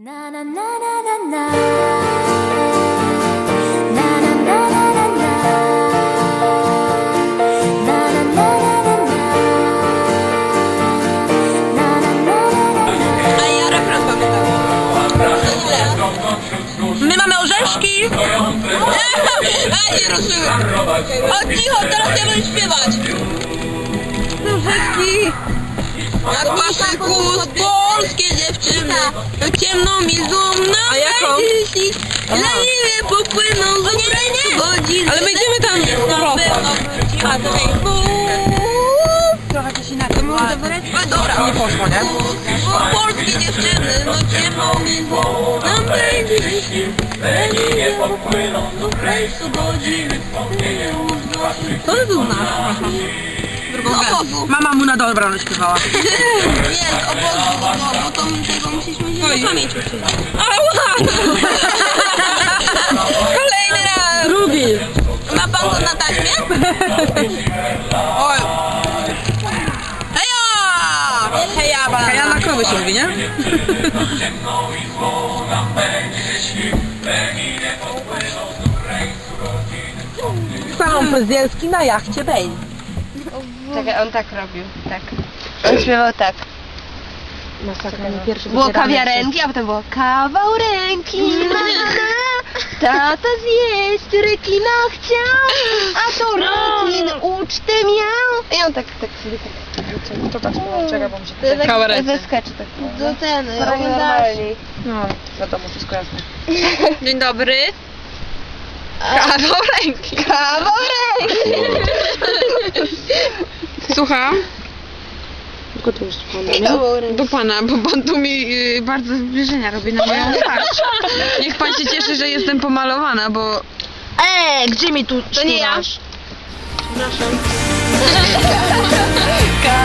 Na na na na na na. Na na na na na na. Na na na na na na. Na na na na na. A ja refren pamiętam. My mamy orzeszki. A nie ruszyłem. O cicho, teraz ja będę śpiewać. Orzeszki. Jak wasze kus, polskie dziewczyny, to ciemną mi złomną. A jaką? Leniwie popłyną z godziny. Ale my idziemy tam trochę coś inaczej. Dobra. Nie poszło, nie? Polskie dziewczyny, no ciemną mi złomną. Leniwie popłyną z godziny. To by był nasz. Mama mu na dobranoc śpiewała. Jest, obozu, bo to tego musieliśmy się na pamięć uczyć. Kolejny raz! Drugi! Ma pan to na taśmie? Oj! Heja! Heja, banana! Heja na krowy się mówi, nie? Pan Pozyelski na jachcie Bej. Tak, on tak robił, tak. On śpiewał tak. Masakra, nie pierwszy Było kawiarenki, a potem było kawał ręki, na, tata zjeść rekina chciał, a to rekin ucztę miał. I on tak sobie tak. Czekaj, bo mi się To tak Kawał ze sketchu tak. Do ten, Normalnie. No, wiadomo, wszystko jasne. Dzień dobry. Kawał ręki. Kawał ręki. Słucham? Tylko to już do pana, bo pan tu mi bardzo zbliżenia robi na moją twarz. Niech pan się cieszy, że jestem pomalowana, bo... Gdzie mi tu To nie ja. Przepraszam.